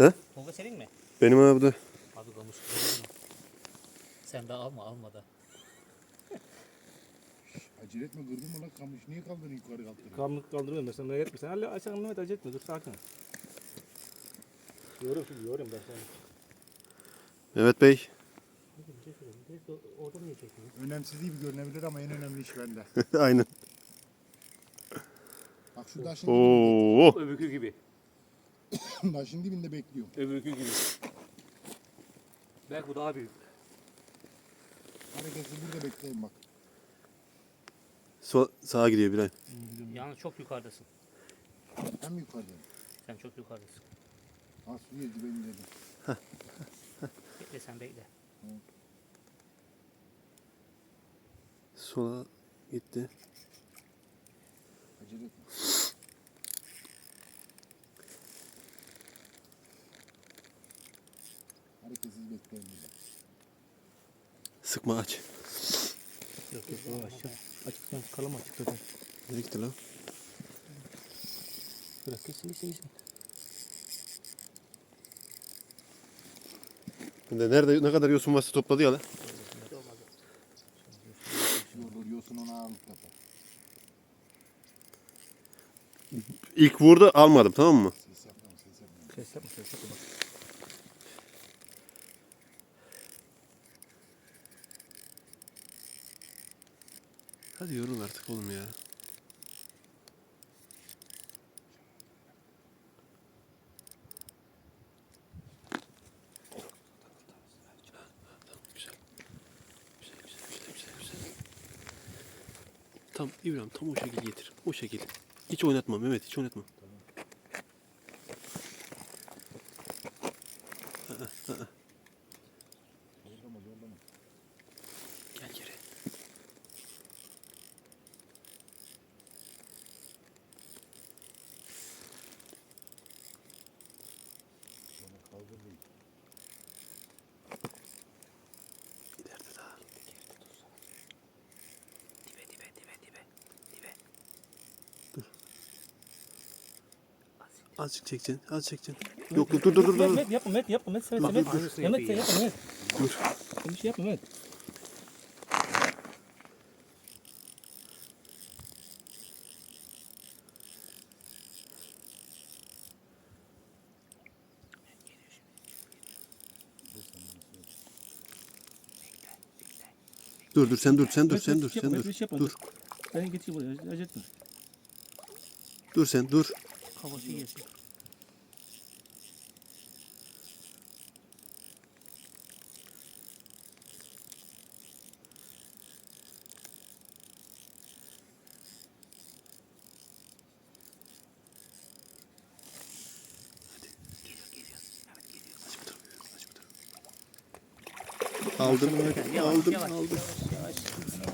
He? Tolga senin mi? Benim abi de. Abi kamış güzel mi? Sen de alma da. Acele etme, kırdın mı lan kamış? Niye kaldırın yukarı kaldırın? Kamlık kaldırıyorum ben, sen merak etme. Sen hala aşağı Mehmet, acele etme, dur sakin. Yorum şimdi, yorum ben sana. Mehmet Bey. Orada niye çekiyorsun? Önemsiz gibi görünebilir ama en önemli iş bende. Aynen. Bak şu taşın dibinde, Oo. Öbürkü gibi. taşın dibinde bekliyorum. Öbürkü gibi. Belki bu daha büyük. Hareketsiz burada bekleyin bak. Sağa gidiyor Bilal. Yalnız çok yukarıdasın. Hem yukarıdan. Sen çok yukarıdasın. Ha suya ben dedim. Bekle sen bekle. Sola gitti. Acele etme. Hareketsiz bekleyin burada. Sıkma aç. Yok yok, aşağı. Açık lan, kalama açık zaten. Nereye gitti lan? Bırak gitsin. Nerede ne kadar yosun varsa topladı ya lan. Yoruyorsun ona ağırlık yapar. İlk vurdu almadım, tamam mı? Ses yapma, ses yapma. Ses yapma. Hadi yorul artık oğlum ya. Güzel. Tam İbrahim, tam o şekil getir. O şekil. Hiç oynatma Mehmet, hiç oynatma. Gel geri. İleride daha. Dibe. Azıcık çekeceksin, az çekeceksin. Yok dur. Mehmet yapma, Mehmet sen Bak, Mehmet. dur. Mehmet sen yapma, Mehmet. Dur. Sen bir şey yapma, Mehmet. Dur sen dur. Mehmet bir şey yapma. Dur. Ben geçeyim buraya, acele etme. Dur sen dur. Havası yesin. Aldım. Yavaş, Aldım. yavaş.